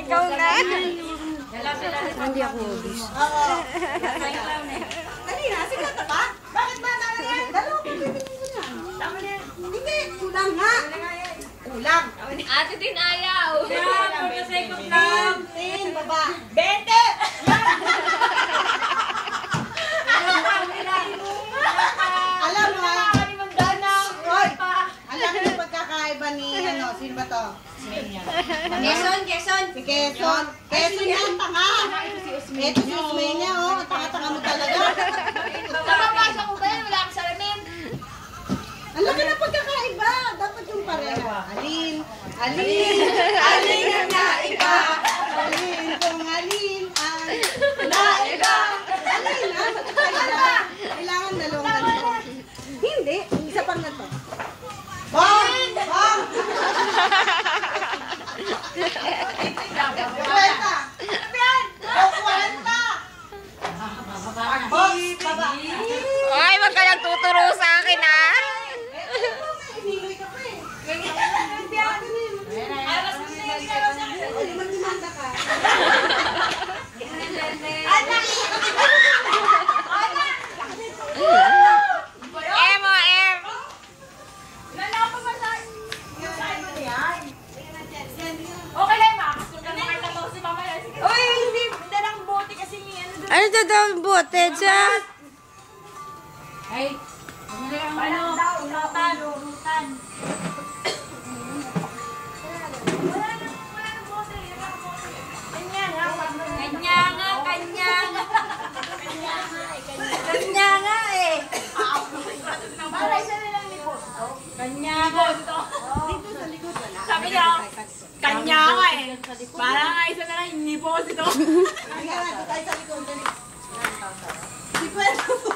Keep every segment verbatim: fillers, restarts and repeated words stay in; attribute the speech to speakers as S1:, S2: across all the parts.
S1: Ikaw na.
S2: Hindi ako obis.
S3: Oo. Dali na, sige ka pa. Bakit ba na yan? Dalawa ko bibigyan ko na. Tama na yan. Hindi, kulang nga. Kulang.
S1: Ate din ayaw.
S3: Tin, baba. Bente! Alam mo ha? Hoy! Alam mo yung pagkakaiba ni ano, sino ba to?
S1: Quezon, Quezon.
S3: Si Quezon. Quezon yan, tanga. Ito si Usmeña, oh. Tanga-tanga mo talaga.
S1: Kapapasok ko ba yan? Wala akong salamin.
S3: Ang laki ng pagkakaiba. Dapat yung pareho. Alin, alin, alin ang naiba. Alin kung alin ang naiba. Alin ang pagkakaiba. Kailangan dalawang ganito. Hindi, isa pang ganito. Bong! Bong! Kwenta! Kwenta! Bong! Baba!
S1: Ay, wag ka lang tuturo sa akin, ha?
S3: Iniloy ka pa eh. Ay, magdimanda ka.
S1: M o M.
S4: Okay lang, makakasunan na kita mo si Mama. Uy, hindi. Dalang bote kasi ni ano doon.
S2: Ano ito daw ang bote dyan?
S4: Ay, ano daw, urutan, urutan. Wala na, wala na bote. Kanya nga, kanya nga, kanya nga. Kanya nga eh. Para isa na lang ni bote. Kanya nga. Dito sa likod wala. Sabi niya, kanya nga eh. Para nga isa na lang ni bote ito.
S3: Kaya nga, doon tayo sa likod. Dali. Si Kwenta po.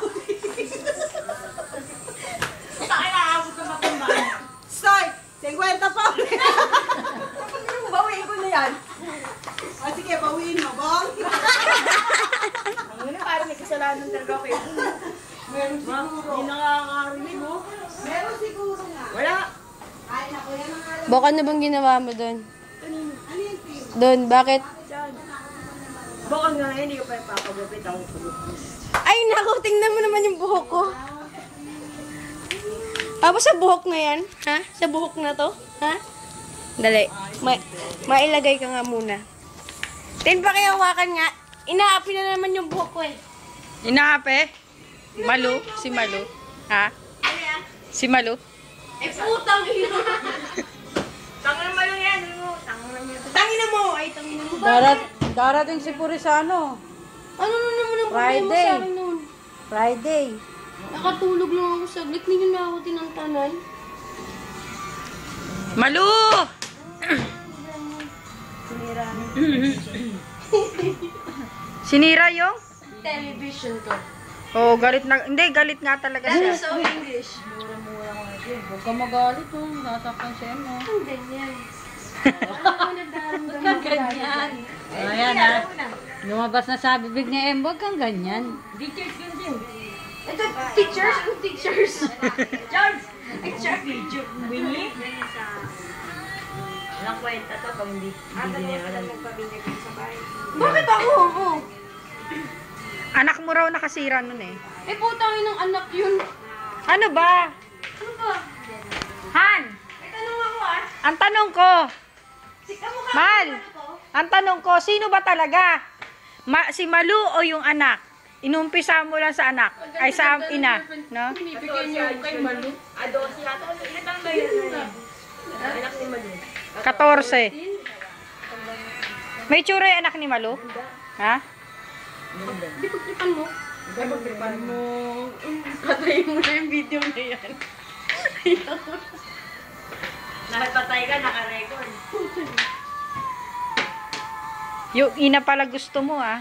S4: Saka nakaabot ko matumbahan.
S3: Stoy! Sengkwenta pa ulit.
S4: Bawiin ko na yan.
S3: O sige, bawiin mo, Bong.
S4: Ano na, parang may kasalanan talaga ako eh.
S3: Meron siguro.
S4: Hindi nakakarinig mo.
S3: Meron siguro nga.
S4: Wala.
S3: Ay, naku, yan ang alam.
S2: Baka na bang ginawa mo doon?
S3: Ano yung team?
S2: Doon, bakit?
S4: Baka nga hindi ko pa ipapagupit ako pagupit.
S2: Ay, naku, tingnan mo naman yung buhok ko. Tapos sa buhok na yan? Ha? Sa buhok na to? Ha? Dali. Ma mailagay ka nga muna. Tin, pakihawakan nga. Inaapi na naman yung buhok ko eh.
S1: Inaape? Malu? Si Malu? Ha? Si Malu?
S4: Eh, putang ina! Tangan naman lang yan.
S2: Tangina mo! Ay, tangina mo.
S5: Darat, darating si Purisano.
S2: Ano na naman ang problema
S5: Friday.
S2: sa akin noon?
S5: Friday.
S2: Nakatulog lang ako saglit. Hindi na ako tinantanan.
S1: Malu! Sinira yung?
S2: Television ko.
S1: Oo, oh, galit na. Hindi, galit nga talaga siya.
S2: So English.
S5: Mura-mura ko na siya. Huwag ka magalit oh. Natakpan siya mo.
S2: Ang ganyan. Ako nagdaramdam ako ganyan.
S5: Ayan ha. Lumabas na sa bibig ni Em, huwag kang ganyan.
S4: Teachers yun din.
S2: Ito, teachers? Ano teachers?
S4: George! Ay, siya, video. Winnie? Walang kwenta to pag hindi hindi niya alam.
S2: Bakit ako? Oo.
S1: Anak mo raw nakasira nun eh.
S2: Eh, putangin ng anak yun.
S1: Ano ba?
S2: Ano ba?
S1: Han!
S2: May tanong ako ah.
S1: Ang tanong ko,
S2: Si kamukha
S1: Mal,
S2: ko.
S1: ang tanong ko, sino ba talaga? Ma si Malu o yung anak? Inumpisa mo lang sa anak, ay sa ina, no?
S2: Bibigyan niyo kay Malu.
S4: Adosi yata. Ilan taon ba yun? Anak ni Malu.
S1: fourteen. May tsura yung anak ni Malu? Ha?
S2: Di ko klipan mo.
S4: Pagpagpipan mo.
S2: Patayin mo na yung video na yan.
S4: Nakapatay ka, nakarecord.
S1: Yung ina pala gusto mo ah.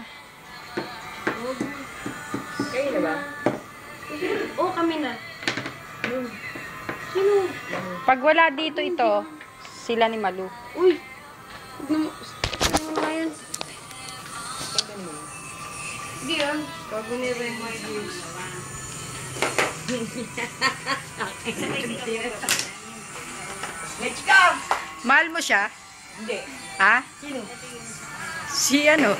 S4: Kayo na ba?
S2: Oo, kami na. Sino?
S1: Pag wala dito ito, sila ni Malu.
S2: Uy! Huwag na mo. Ano nga yan? Hindi yan. Bago ni Remo yung
S4: Let's go!
S1: Mahal mo siya?
S4: Hindi.
S1: Ha?
S4: Sino?
S1: Si ano?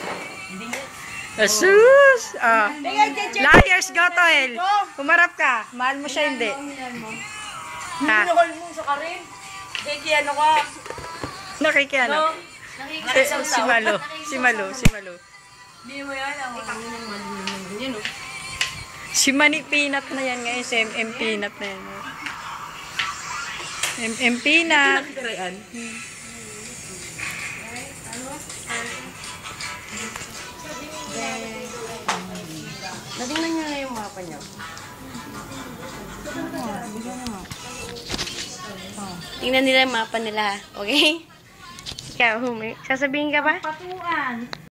S1: Asus! Ah. Liars, Gotoel. Humarap ka. Mahal mo siya, hindi. Ha?
S4: Minahol mo sa karin. Kiki, ano ka?
S1: Nakikiano?
S4: No?
S1: Si, si Malo. Si Malo. Si Malo.
S4: Hindi mo yan. Ang
S2: Yun oh.
S1: Si Mani Peanut na yan ngayon. Si M M Peanut na yan. M M Peanut.
S4: Kirayan.
S2: Natingnan nyo na yung mapa niyo. Tingnan nila yung mapa nila, ha? Okay? Ikaw, Humi. Sasabihin ka ba?
S5: Patuan.